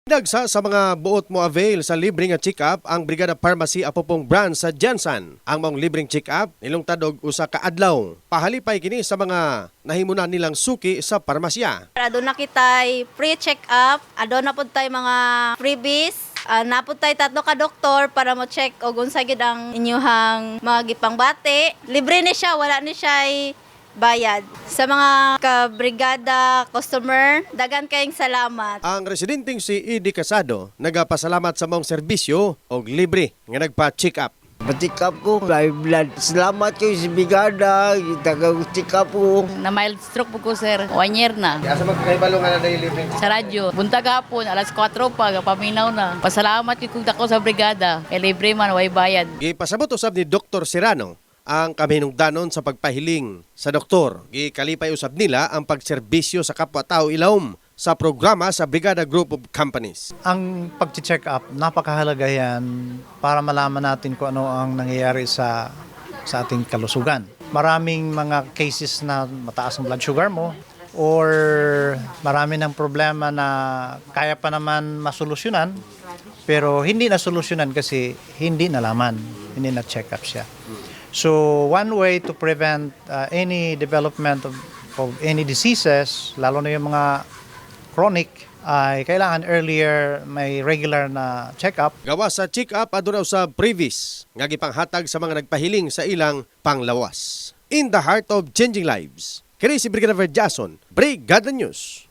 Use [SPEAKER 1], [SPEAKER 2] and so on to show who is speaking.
[SPEAKER 1] Dagsa sa mga buot mo avail sa libreng check-up ang Brigada Pharmacy Apopong branch sa Jensen. Ang mong libreng check-up nilungtadog usa ka adlaw. Pahalipay kini sa mga nahimunan nilang suki sa parmasya.
[SPEAKER 2] Aduna na kitay free check-up, aduna na pud tay mga freebies. Napod tayo 3 ka doktor para mo check o unsa gid ang inyuhang mga gipangbati. Libre ni siya, wala ni siya bayad. Sa mga kabrigada customer, dagan kayong salamat.
[SPEAKER 1] Ang residenteng si Edie Casado nagapasalamat sa mong serbisyo og libre nga nagpa-check up.
[SPEAKER 3] Pa-check up ko, live blood. Salamat kayo sa Brigada, taga-check up ko.
[SPEAKER 4] Na mild stroke po ko, sir. 1 year na.
[SPEAKER 1] Asa magkaibalo nga na dahil libreng
[SPEAKER 4] Sa radyo. Buntag hapon, alas 4 pa, paminaw na. Pasalamat yung dako sa brigada. Libre man, way bayad.
[SPEAKER 1] Gipasabot usab ni Dr. Serrano ang kamihinungdanon sa pagpahiling sa doktor. Gikalipay usab nila ang pagserbisyo sa kapwa-tao ilawom sa programa sa Brigada Group of Companies.
[SPEAKER 5] Ang pag-check up, napakahalaga yan para malaman natin kung ano ang nangyayari sa ating kalusugan. Maraming mga cases na mataas ang blood sugar mo or marami ng problema na kaya pa naman masolusyonan pero hindi na solusyonan kasi hindi nalaman, hindi na check up siya. So one way to prevent any development of any diseases, lalo na yung mga chronic, ay kailangan earlier may regular na check-up.
[SPEAKER 1] Gawa sa check-up aduna sa previs nga gipanghatag sa mga nagpahiling sa ilang panglawas. In the heart of changing lives, kini si Brigadier Jason, Brigada News.